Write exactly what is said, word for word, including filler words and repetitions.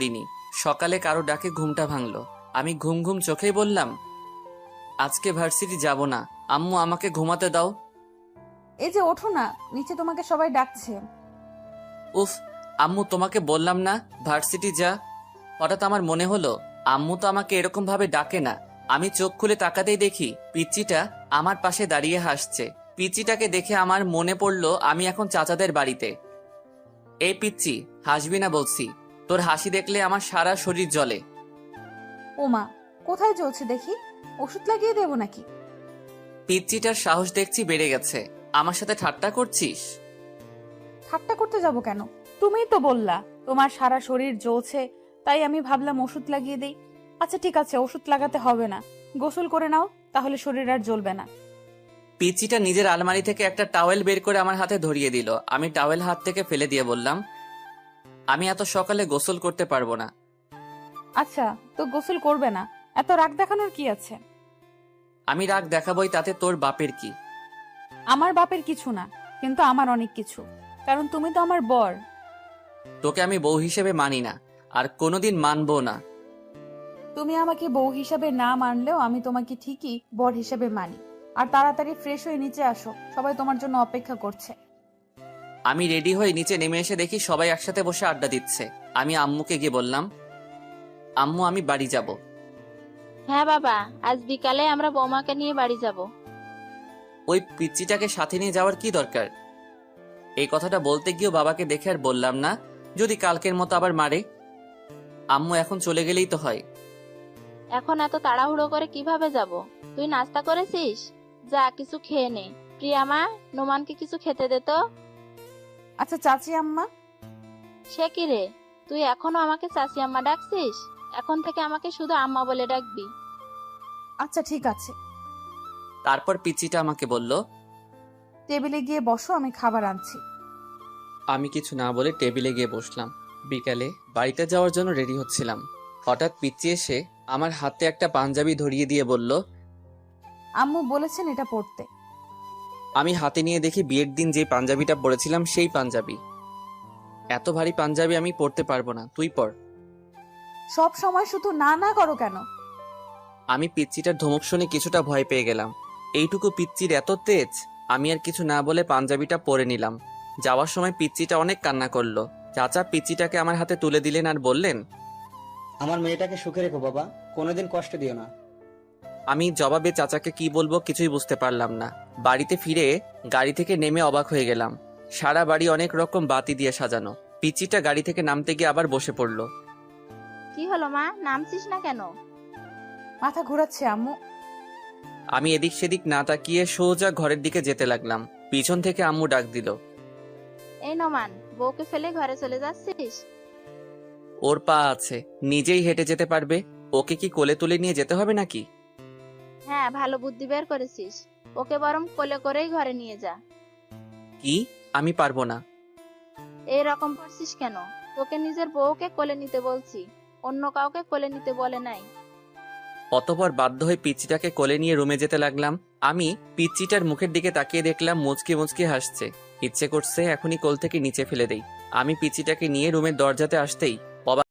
দিনি। সকালে কারো ডাকে ঘুমটা ভাঙলো। আমি ঘুম ঘুম চোখেই বললাম, আজকে ভার্সিটি যাব না, আম্মু আমাকে ঘুমাতে দাও। এই যে ওঠো না, নিচে তোমাকে সবাই ডাকছে। উফ, আম্মু তোমাকে বললাম না ভার্সিটি যা। হঠাৎ আমার মনে হলো আম্মু তো আমাকে এরকম ভাবে ডাকে না। আমি চোখ খুলে তাকাতেই দেখি পিচ্চিটা আমার পাশে দাঁড়িয়ে হাসছে। পিচ্চিটাকে দেখে আমার মনে পড়লো আমি এখন চাচাদের বাড়িতে। এই পিচ্চি, হাসবি না বলছি, তোর হাসি দেখলে আমার সারা শরীর জ্বলে। ওমা, কোথায় চলছে দেখি, ওষুধ লাগিয়ে দেবো নাকি? পিচ্চিটার সাহস দেখছি বেড়ে গেছে। আমার সাথে ঠাট্টা করছিস? ঠাট্টা করতে যাব কেন? তুমিই তো বললা তোমার সারা শরীর জ্বলছে, তাই আমি ভাবলাম ওষুধ লাগিয়ে দেই। আচ্ছা ঠিক আছে, ওষুধ লাগাতে হবে না, গোসল করে নাও, তাহলে শরীর আর জ্বলবে না। পিচ্চিটা নিজের আলমারি থেকে একটা টাওয়েল বের করে আমার হাতে ধরিয়ে দিল। আমি টাওয়েল হাত থেকে ফেলে দিয়ে বললাম, আমি এত সকালে গোসল করতে পারবো না। আচ্ছা, তো গোসল করবে না, এত রাগ দেখানোর কি আছে? আমি রাগ দেখাবই, তাতে তোর বাপের কি? আমার বাপের কিছু না, কিন্তু আমার অনেক কিছু, কারণ তুমি তো আমার বর। তোকে আমি বউ হিসেবে মানি না, আর কোনোদিন মানবো না। তুমি আমাকে বউ হিসাবে না মানলেও আমি তোমাকে ঠিকই বর হিসাবে মানি। আর তাড়াতাড়ি ফ্রেশ হয়ে নিচে আসো, সবাই তোমার জন্য অপেক্ষা করছে। আমি রেডি হয়ে নিচে নেমে এসে দেখি সবাই একসাথে বসে আড্ডা দিচ্ছে। আমি আম্মুকে গিয়ে বললাম, আম্মু আমি বাড়ি যাব। হ্যাঁ বাবা, আজ বিকালে আমরা বৌমাকে নিয়ে বাড়ি যাব। ওই পিচ্চিটাকে সাথে নিয়ে যাওয়ার কি দরকার? এই কথাটা বলতে গিয়েও বাবাকে দেখে আর বললাম না, যদি কালকের মতো আবার মারে। আম্মু এখন চলে গেলেই তো হয়। এখন এত তাড়াহুড়ো করে কিভাবে যাব? তুই নাস্তা করেছিস? যা কিছু খেয়ে নে। প্রিয়া মা, নোমানকে কিছু খেতে দে তো। আচ্ছা চাচি আম্মা। সে কি রে, তুই এখনো আমাকে চাচি আম্মা ডাকছিস? এখন থেকে আমাকে শুধু আম্মা বলে ডাকবি। আচ্ছা ঠিক আছে। তারপর পিচ্চিটা আমাকে বলল, টেবিলে গিয়ে বসো, আমি খাবার আনছি। আমি কিছু না বলে টেবিলে গিয়ে বসলাম। বিকালে বাড়িতে যাওয়ার জন্য রেডি হচ্ছিলাম। হঠাৎ পিচ্চি এসে আমার হাতে একটা পাঞ্জাবি ধরিয়ে দিয়ে বলল, আম্মু বলেছেন এটা পড়তে। আমি হাতে নিয়ে দেখি বিয়ের দিন যে পাঞ্জাবিটা পরেছিলাম সেই পাঞ্জাবি। এত ভারী পাঞ্জাবি আমি পরতে পারবো না, তুই পর। সব সময় শুধু না না করো কেন? আমি পিচ্চিটার ধমক শুনে কিছুটা ভয় পেয়ে গেলাম। এইটুকু পিচ্চির এত তেজ! আমি আর কিছু না বলে পাঞ্জাবিটা পরে নিলাম। যাওয়ার সময় পিচ্চিটা অনেক কান্না করলো। চাচা পিচ্চিটাকে আমার হাতে তুলে দিলেন আর বললেন, আমার মেয়েটাকে সুখে রেখো বাবা, কোনোদিন কষ্ট দিও না। আমি জবাবে চাচাকে কি বলবো কিছুই বুঝতে পারলাম না। বাড়িতে ফিরে গাড়ি থেকে নেমে অবাক হয়ে গেলাম। সারা বাড়ি অনেক রকম বাতি দিয়ে সাজানো। পিচ্চিটা গাড়ি থেকে নামতে গিয়ে আবার বসে পড়লো। কি হলো মা, নামছিস না কেন? মাথা ঘোরাচ্ছে আম্মু। আমি এদিক সেদিক না তাকিয়ে সোজা ঘরের দিকে যেতে লাগলাম। পিছন থেকে আম্মু ডাক দিল, এই নোমান, বউকে ফেলে ঘরে চলে যাচ্ছিস? ওর পা আছে, নিজেই হেঁটে যেতে পারবে, ওকে কি কোলে তুলে নিয়ে যেতে হবে নাকি? হ্যাঁ, ভালো বুদ্ধি বের করেছিস। ওকে বরং কোলে করেই ঘরে নিয়ে যা। কি? আমি পারবো না। এই রকম করছিস কেন? তোকে নিজের বউকে কোলে নিতে বলছি, অন্য কাউকে কোলে নিতে বলে নাই। অতঃপর বাধ্য হয়ে পিচ্চিটাকে কোলে নিয়ে রুমে যেতে লাগলাম। আমি পিচ্চিটার মুখের দিকে তাকিয়ে দেখলাম মুচকি মুচকি হাসছে। ইচ্ছে করছে এখনই কোল থেকে নিচে ফেলে দেই। আমি পিচ্চিটাকে নিয়ে রুমের দরজাতে আসতেই